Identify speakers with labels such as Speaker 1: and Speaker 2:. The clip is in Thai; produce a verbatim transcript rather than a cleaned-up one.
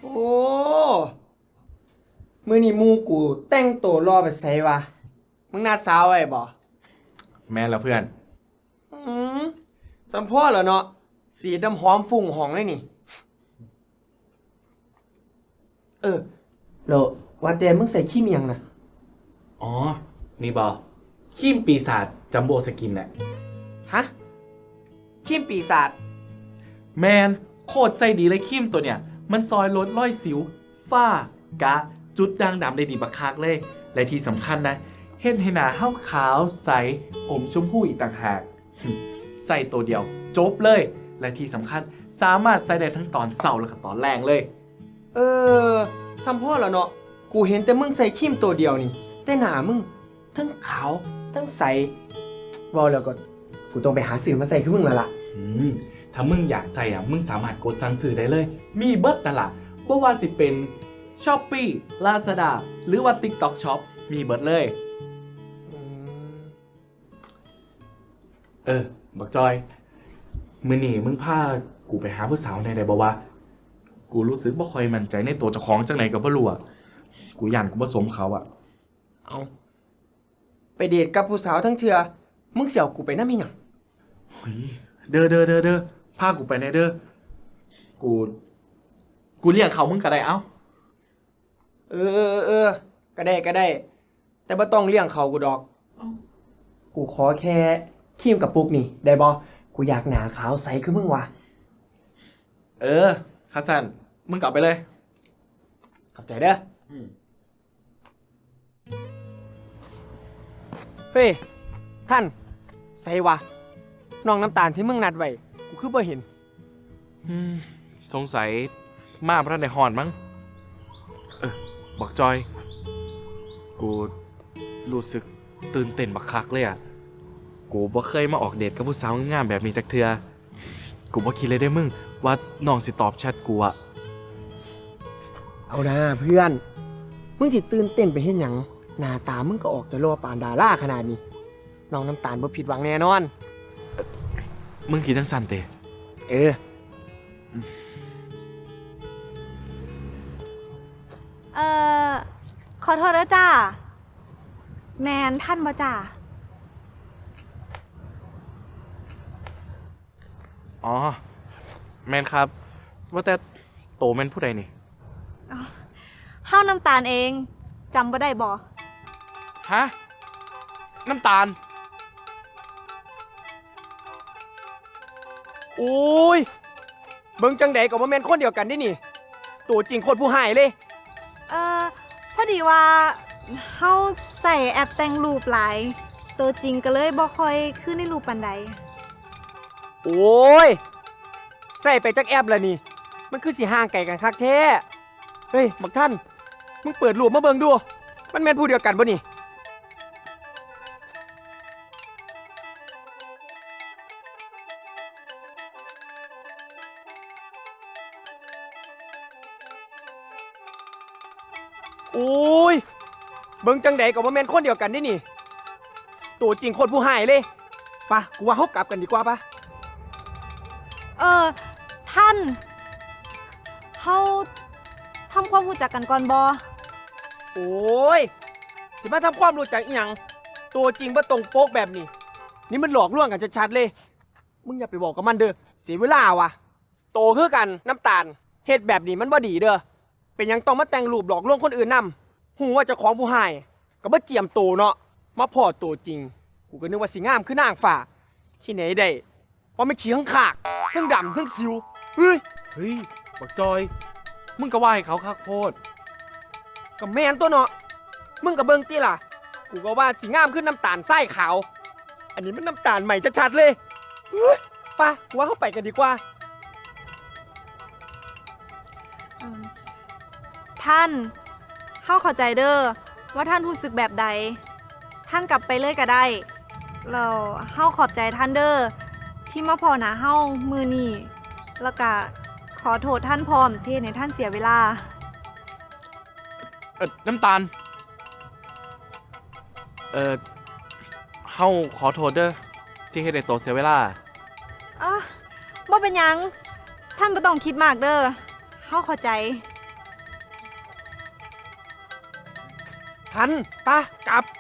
Speaker 1: โอ้มื้อนี้หมู่กูแต่งตัวรอไปไสวะมึงนัดสาวไว้บ่
Speaker 2: แม่นแล้วเพื่อน
Speaker 1: อืมสัมพ่อเหรอเนาะสีดำหอมฝุ่งหองเลยนี่ เออแล้วว่าแต่มึงใส่ขี้เมียงนะ
Speaker 2: อ๋อ นี่บอครีมปีศาจจัมโบ้สกินน่ะ
Speaker 1: ฮะขี้ปีศาจ
Speaker 2: แมนโคตรใส่ดีเลยครีมตัวเนี่ย มันซอยลดรอยสิว ฝ้ากะ จุดด่างดำได้ดีบักคักเลย และที่สำคัญนะ เห็นให้หน้าเฮาขาวใสอมชมพูอีกต่างหาก ใส่ตัวเดียว จบเลย และที่สำคัญสามารถใส่ได้ทั้งตอนเสาร์และก็ตอนแรงเลย
Speaker 1: เออสัมพ่อเหรอเนาะกูเห็นแต่มึงใส่ขี้มตัวเดียวนี่ แต่หน้ามึงทั้งขาวทั้งใสว่าแล้วก็กูต้องไปหาสื่อมาใส่คือมึงแล้วล่ะ
Speaker 2: อืมถ้ามึงอยากใส่อ่ะ มึงสามารถกดสั่งซื้อได้เลย มีเบิร์ดนั่นล่ะบ่ว่าสิเป็น Shopee Lazada หรือว่า TikTok Shop มีเบิร์ดเลย เออ บักจอย มื้อนี้มึงพากูไปหาผู้สาวในใดบ่วะกูรู้สึกบ่ค่อยมั่นใจในตัวเจ้าของจังไหนก็บ่รู้อ่ะ กูย่านกูบ่สมเขาอ่ะ
Speaker 1: เอาไปเดทกับผู้สาวทั้งเทือมึงเสี่ยวกูไปน้ำมีหยัง
Speaker 2: เฮ้ยเด้อเด้อเด้อเด้อพากูไปในเด้อ กู กูเลี้ยงเขามึงก็ได้เอ้า
Speaker 1: เออเออเออเออก็ได้ก็ได้ แต่บ่ต้องเลี้ยงเขากูดอก กูขอแค่ครีมกับปุกนี่ ได้บ่กูอยากหนาขาวใสคือมึงวะ
Speaker 2: เออคาสันมึงกลับไปเลย
Speaker 1: ขอบใจเด้ออเฮ้ย ท่านใส่วะน้องน้ำตาลที่มึงนัดไว้กูคือบ่เห็น
Speaker 2: อืมสงสัยมาพระในหอนมั้ง เออบักจอย กูรู้สึกตื่นเต้นบักคักเลยอ่ะ กูบ่เคยมาออกเดทกับผู้สาวงามๆแบบนี้จักเทือกูบ่คิดเลยได้มึงว่าน้องสิตอบแชทกูอ่ะ
Speaker 1: เอานะเพื่อน มึงสิตื่นเต้นไปเฮ็ดหยังหน้าตามึงก็ออกจะรอปานดาราขนาดนี้ น้องน้ำตาลบ่ผิดหวังแน่นอน
Speaker 2: มึงคิดจังสันเตะ
Speaker 1: เออ
Speaker 3: เอ่อ ขอโทษนะจ้าแมนท่านบ่จ้า
Speaker 2: อ๋อ แมนครับ ว่าแต่โตแมนผู้ใดนี่
Speaker 3: เฮาน้ำตาลเองจำบ่ได้บ่
Speaker 2: ฮะ น้ำตาล
Speaker 1: โอ้ยเบิ่งจังใดก็บ่แม่นคนเดียวกันนี่นี่ ตัวจริงโคตรผู้หายเลย
Speaker 3: เอ่อ พอดีว่าเฮาใส่แอปแต่งรูปหลาย ตัวจริงก็เลยบ่ค่อยขึ้นในรูปปานใด
Speaker 1: โอ้ย ใส่ไปจักแอปแล้วนี่ มันคือสิห่างไกลกันคักแท้ เฮ้ย บักท่าน มึงเปิดรูปมาเบิ่งดู มันแม่นผู้เดียวกันบ่นี่ โอ้ย เบิ่งจังใดก็บ่แม่นคนเดียวกันนี่นี่ ตัวจริงโคตรผู้หายเลยปะกูว่าเฮากลับกันดีกว่าปะ
Speaker 3: เออ ท่าน เฮาทำความรู้จักกันก่อนบ่
Speaker 1: โอ้ย สิมาทำความรู้จักอีหยัง ตัวจริงบ่ตรงโป๊กแบบนี้ นี่มันหลอกลวงกันชัดๆเลย มึงอย่าไปบอกกับมันเด้อ เสียเวลาวะโตคือกันน้ำตาล เฮ็ดแบบนี้มันบ่ดีเด้อ เป็นหยังต้องมาแต่งรูปหลอกลวงคนอื่นนำหูว่าเจ้าของผู้ให้ก็บ่เจียมโตเนาะ มาพอตัวจริง กูก็นึกว่าสิงามคือนางฟ้า ที่ไหนได้ว่าไม่ขี้ข้างขากทั้งดำทั้งสิว เฮ้ย
Speaker 2: เฮ้ย บักจอย มึงก็ว่าให้เขาคักโพด
Speaker 1: ก็แม่นตัวเนาะ มึงกับเบิ่งติล่ะ กูก็ว่าสีงามขึ้นน้ำตาลไส้ขาว อันนี้มันน้ำตาลใหม่ชัดๆเลยเฮ้ยไป่ะกูว่าเข้าไปกันดีกว่า
Speaker 3: อืมท่าน เฮาเข้าใจเด้อว่าท่านรู้สึกแบบใด ท่านกลับไปเลยก็ได้เราเฮาขอบใจท่านเด้อที่มาพอหนาเฮามือนี้แล้วก็ขอโทษท่านพร้อมที่ให้ท่านเสียเวลา
Speaker 2: เออน้ำตาล เออเฮาขอโทษเด้อที่เฮ็ดให้โตเสียเวลา
Speaker 3: อ่ะบ่เป็นหยัง ท่านบ่ต้องคิดมากเด้อเฮาเข้าใจ
Speaker 1: ทันตากลับ